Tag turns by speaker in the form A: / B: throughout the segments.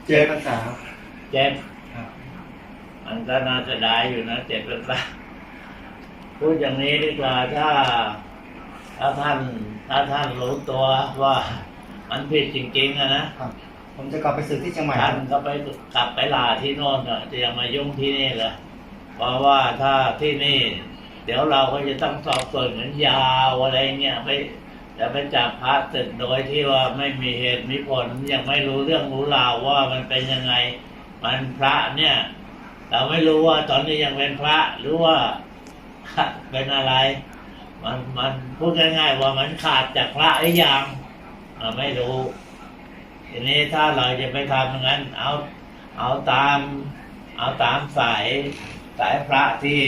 A: พรรษา
B: เจ็บมันก็น่าจะได้อยู่นะ7 พรรษาพูดอย่างนี้ดีกว่าถ้าท่านรู้ตัวว่ามันผิดจริงๆนะครับ
A: ผมจะกลับไปศึกที่เชียงใหม่
B: ท่านก็ไปกลับไปลาที่โน่นจะยังมายุ่งที่นี่เลยเพราะว่าถ้าที่นี่ เดี๋ยวเราก็จะต้องสอบสวนเหมือนยาวอะไรเงี้ยจะไปจับพระศึกโดยที่ว่าไม่มีเหตุมีผลยังไม่รู้เรื่องรู้ราวว่ามันเป็นยังไงมันพระเนี่ยเราไม่รู้ว่าตอนนี้ยังเป็นพระหรือว่าเป็นอะไรมันพูดง่ายๆว่ามันขาดจากพระหรือยังไม่รู้ทีนี้ถ้าเราจะไปทำอย่างนั้นเอาตามสายพระที่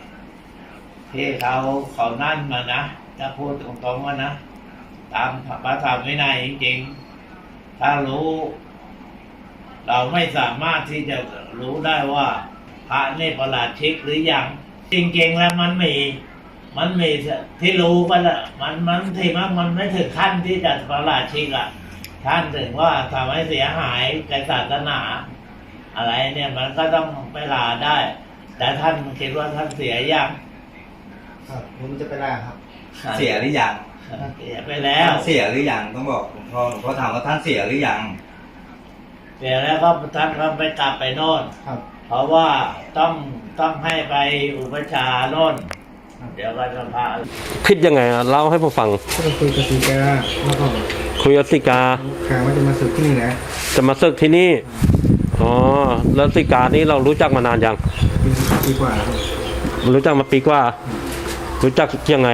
B: เขานั่นมานะถ้าพูดตรงๆว่านะตามพระธรรมวินัยจริงๆถ้ารู้เราไม่สามารถที่จะรู้ได้ว่าพระนี่ประหลาดชิกหรือยังจริงๆแล้วมันมีที่รู้ไปละมันที่มันไม่ถึงขั้นที่จะประหลาดชิกอ่ะท่านถึงว่าทำให้เสียหายแก่ศาสนาอะไรเนี่ยมันก็ต้องไปลาได้แต่ท่านคิดว่าท่านเสียยัง
A: ผมจะไปลาครับ
C: เสียหรือยัง
B: เสียไปแล้ว
C: เสียหรือยังต้องบอกหลวงพ่อถามว่าท่านเสียหรือยัง
B: เสียแล้วก็ท่านก็ไปกลับไปโน่นเพราะว่าต้องให้ไปอุปชาโน่นเดี๋ยวก็จะพา
D: คิดยังไงเล่าให้ผมฟัง
A: ก็คุยกับสีกาแล้วก็
D: คุยกับสีกา
A: ว่าจะมาศึกที่นี่นะ
D: จะมาศึกที่นี่อ๋อแล้วสีกานี้เรารู้จักมานานยัง
A: ปีกว่า
D: รู้จักมาปีกว่ารู้จักยังไง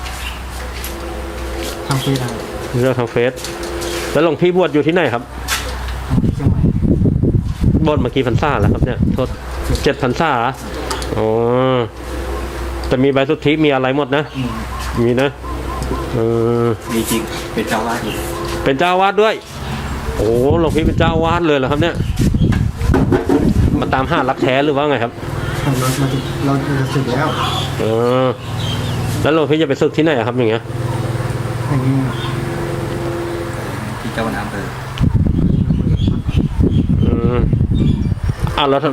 A: ทางเฟซ
D: รู้จักทางเฟซแล้วหลวงพี่บวชอยู่ที่ไหนครับบวชมากี่พรรษาแล้วครับเนี่ยโทษ7 พรรษาอ๋อจะมีใบสุทธิมีอะไรหมดนะมีนะ
C: มีจริงเป็นเจ้าวาดอยู่
D: เป็นเจ้าวาดด้วยโอ้หลวงพี่เป็นเจ้าวาดเลยเหรอครับเนี่ยมาตามหารักแท้หรือว่าไงครับ
A: เราจะศึกแล้ว
D: แล้วหลวงพี่จะไปศึกที่ไหนครับอย่างเงี้ย
C: ที่เจ้าน้ำเลย
D: แล้วท่าน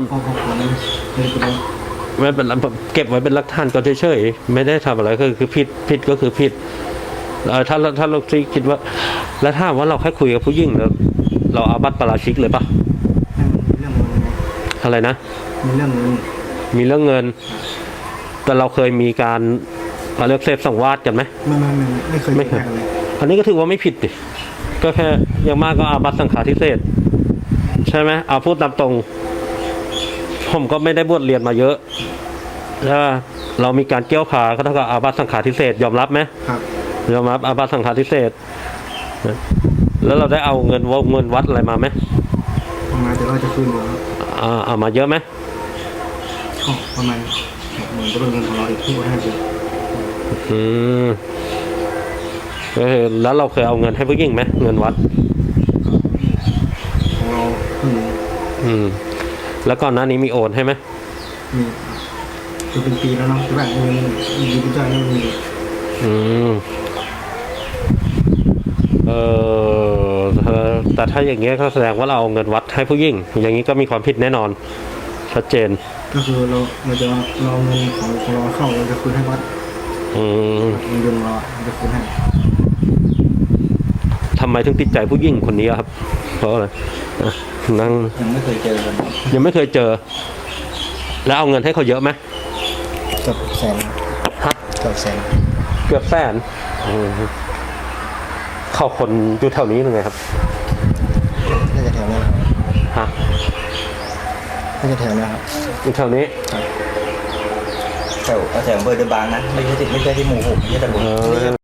D: ไม่เป็นเก็บไว้เป็นหลักฐานก็เฉยๆไม่ได้ทำอะไรคือผิดก็คือผิดถ้าเราคิดว่าแล้วถ้าว่าเราแค่คุยกับผู้หญิงแล้วเราอาบัติปาราชิกเลยปะอะไรนะ
A: มีเรื่อง
D: เงินแต่เราเคยมีการเรียกเสพสังวาสกันไหม
A: ไม่เคย
D: อันนี้ก็ถือว่าไม่ผิดดิก็แค่อย่างมากก็อาบัติสังฆาทิเศษใช่ไหมเอาพูดตามตรงผมก็ไม่ได้บวชเรียนมาเยอะถ้าเรามีการเกี่ยวขาก็เท่ากับอาบัติสังฆาทิเศษยอมรับไหม
A: ครับ
D: ยอมรับอาบัติสังฆาทิเศษแล้วเราได้เอาเงินวัดอะไรมาไหม
A: มาเดี๋ยวเราจะคืนหมด
D: เอามาเยอะไหม
A: ประมาณเหมือนจะเป็นเงินของเราอีกที่ว่า50
D: แล้วเราเคยเอาเงินให้ผู้หญิงไหมเงินวัด
A: ของเรา
D: แล้วก่อนหน้านี้มีโอนให้ไหม
A: มีเป็นปีแล้วเนาะแต่แบบเงินมีเป็นจ่ายไม่มี
D: แต่ถ้าอย่างเงี้ยก็แสดงว่าเราเอาเงินวัดให้ผู้หญิงอย่างนี้ก็มีความผิดแน่นอนชัดเจน
A: ก็คือเราจะเราเงินของเราเข้าเราจะคืนให้วัดเงินเดือนเราจะคืนให้
D: ทำไมถึงติดใจผู้หญิงคนนี้ครับเพราะอะไร
C: ยังไม่เคยเจอ
D: ยังไม่เคยเจอแล้วเอาเงินให้เขาเยอะไหม
A: เกือบแสนเกือบ
D: แสนเข้าคนอยู่แถวนี้หรือไงครับ
A: น่าจะแถวนี้
D: ฮะ
A: น่าจะแถวนี้ครับ
D: อยู่แถวนี้
C: แถวอำเภอเดอะบางนะไม่ใช่ที่หมู่6ไม่ใช่ตำบล